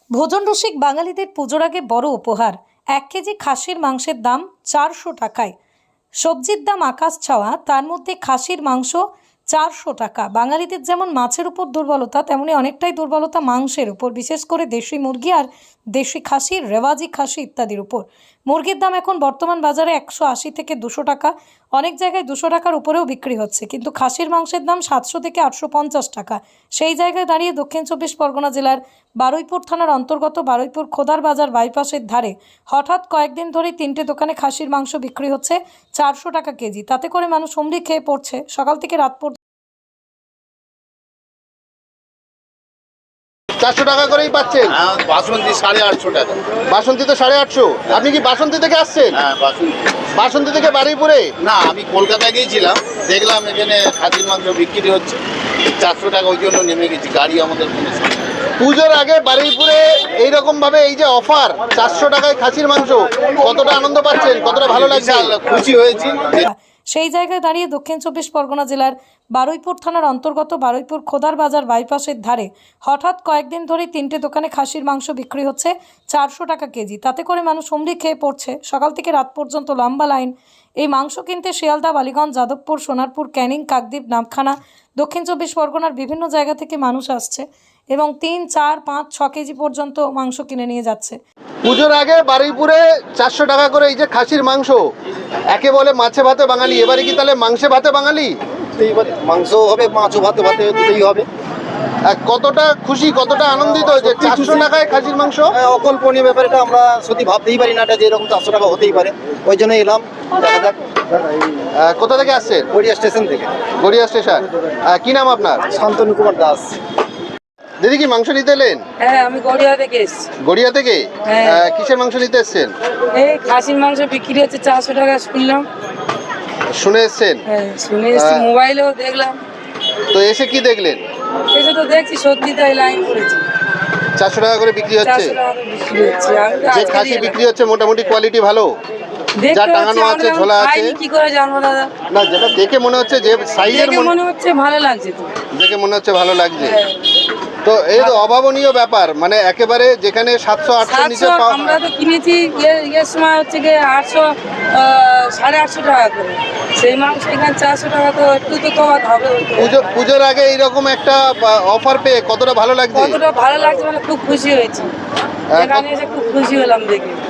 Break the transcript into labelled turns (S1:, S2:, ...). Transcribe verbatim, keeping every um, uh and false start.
S1: ভোজন রসিক বাঙালিদের পুজোর আগে বড় উপহার। এক কেজি খাসির মাংসের দাম চারশো টাকায়। সবজির দাম আকাশ ছোঁয়া, তার মধ্যে খাসির মাংস চারশো টাকা। বাঙালিদের যেমন মাছের উপর দুর্বলতা, তেমনি অনেকটাই দুর্বলতা মাংসের উপর, বিশেষ করে দেশি মুরগি আর দেশি খাসির, রেওয়াজি খাসি ইত্যাদির উপর। মুরগির দাম এখন বর্তমান বাজারে একশো আশি থেকে দুশো টাকা, অনেক জায়গায় দুশো টাকার উপরেও বিক্রি হচ্ছে। কিন্তু খাসির মাংসের দাম সাতশো থেকে আটশো পঞ্চাশ টাকা। সেই জায়গায় দাঁড়িয়ে দক্ষিণ চব্বিশ পরগনা জেলার বারুইপুর থানার অন্তর্গত বারুইপুর খোদার বাজার বাইপাসের ধারে হঠাৎ কয়েকদিন ধরেই তিনটে দোকানে খাসির মাংস বিক্রি হচ্ছে চারশো টাকা কেজি। তাতে করে মানুষ হুমড়ি খেয়ে পড়ছে। সকাল থেকে রাত পর্যন্ত
S2: চারশো টাকা করেই পাচ্ছেন।
S3: বাসন্তী সাড়ে আটশো টাকা।
S2: বাসন্তী তো সাড়ে আটশো। আপনি কি বাসন্তী থেকে আসছেন?
S3: হ্যাঁ, বাসন্তী।
S2: বাসন্তী থেকে বারুইপুরে?
S3: না, আমি কলকাতায় গিয়েছিলাম, দেখলাম এখানে খাসির মাংস বিক্রি হচ্ছে চারশো টাকা, ওই জন্য নেমে গেছি। গাড়ি আমাদের কোনো সমস্যা নেই।
S2: পুজোর আগে বারুইপুরে এইরকম ভাবে এই যে অফার চারশো টাকায় খাসির মাংস, কতটা আনন্দ পাচ্ছেন, কতটা ভালো লাগছে?
S3: বিশাল খুশি হয়েছি।
S1: সেই জায়গায় দাঁড়িয়ে দক্ষিণ চব্বিশ পরগনা জেলার বারুইপুর থানার অন্তর্গত বারুইপুর খোদার বাজার বাইপাসের ধারে হঠাৎ কয়েকদিন ধরেই তিনটে দোকানে খাসির মাংস বিক্রি হচ্ছে চারশো টাকা কেজি। তাতে করে মানুষ হুমড়ি খেয়ে পড়ছে। সকাল থেকে রাত পর্যন্ত লম্বা লাইন। এই মাংস কিনতে শিয়ালদা, বালিগঞ্জ, যাদবপুর, সোনারপুর, ক্যানিং, কাকদ্বীপ, নামখানা, দক্ষিণ চব্বিশ পরগনার বিভিন্ন জায়গা থেকে মানুষ আসছে এবং তিন চার পাঁচ ছ কেজি পর্যন্ত মাংস কিনে নিয়ে যাচ্ছে।
S2: পুজোর আগে বারুইপুরে চারশো টাকা করে এই যে খাসির মাংস, একে বলে মাছে ভাতে বাঙালি, এবারে কি তাহলে মাংসে ভাতে বাঙালি?
S4: মাংস হবে, মাছও ভাতে ভাতে দুটোই হবে।
S2: আর কতটা খুশি, কতটা আনন্দিত যে চারশো টাকায় খাসির মাংস?
S4: অকল্পনীয় ব্যাপার, এটা আমরা সত্যি ভাবতেই পারি না এটা যে এরকম চারশো টাকা হতেই পারে। ওই জন্য এলাম, দেখা যাক।
S2: আহ, কোথা থেকে আসছেন?
S4: গড়িয়া স্টেশন থেকে।
S2: গড়িয়া স্টেশন। আহ, কি নাম আপনার?
S4: শান্তনু কুমার দাস।
S2: দিদি কি মাংস নিতে এলেন?
S5: হ্যাঁ, আমি গড়িয়া থেকে এসেছি।
S2: গড়িয়া থেকে?
S5: হ্যাঁ।
S2: আহ, কিসের মাংস নিতে এসছেন?
S5: এই খাসির মাংস বিক্রি হচ্ছে চারশো টাকা শুনলাম।
S2: শুনে এসছেন?
S5: হ্যাঁ, শুনে এসেছি,
S2: আহ,
S5: মোবাইলেও দেখলাম।
S2: তো এসে কি দেখলেন?
S5: এসে তো দেখছি সত্যি তাই লাইন পড়েছে।
S2: চারশো টাকা করে বিক্রি হচ্ছে।
S5: চারশো টাকা করে বিক্রি হচ্ছে। আমি তো
S2: যে
S5: আজকে
S2: খাসি
S5: এলাম।
S2: বিক্রি হচ্ছে মোটামুটি কোয়ালিটি ভালো?
S5: দেখতে
S2: যা
S5: হচ্ছে,
S2: টাঙানো
S5: আমরা
S2: আছে,
S5: যখন
S2: ঝোলা আছে?
S5: খাইনি কি করে জানবো দাদা?
S2: না, যেটা দেখে মনে হচ্ছে যে সাইজের
S5: দেখে মনে হচ্ছে ভালো লাগছে তো।
S2: দেখে মনে হচ্ছে ভালো লাগছে।
S5: হ্যাঁ।
S2: তো এই তো অভাবনীয় ব্যাপার, মানে একেবারে যেখানে সাতশো আটশো নিচে
S5: সাতশো
S2: পাওয়া।
S5: আমরা তো কিনেছি ইয়ে- ইয়ের সময় হচ্ছে গিয়ে আটশো সাড়ে আটশো টাকা করে, সেই মাংস এখানে চারশো টাকা, তো একটু তো তফাৎ হবে।
S2: পুজো পুজোর আগে এইরকম একটা অফার পেয়ে কতটা ভালো লাগছে?
S5: কতটা ভালো লাগছে, মানে খুব খুশি হয়েছি।
S2: হ্যাঁ,
S5: এখানে এসে খুব খুশি হলাম দেখে।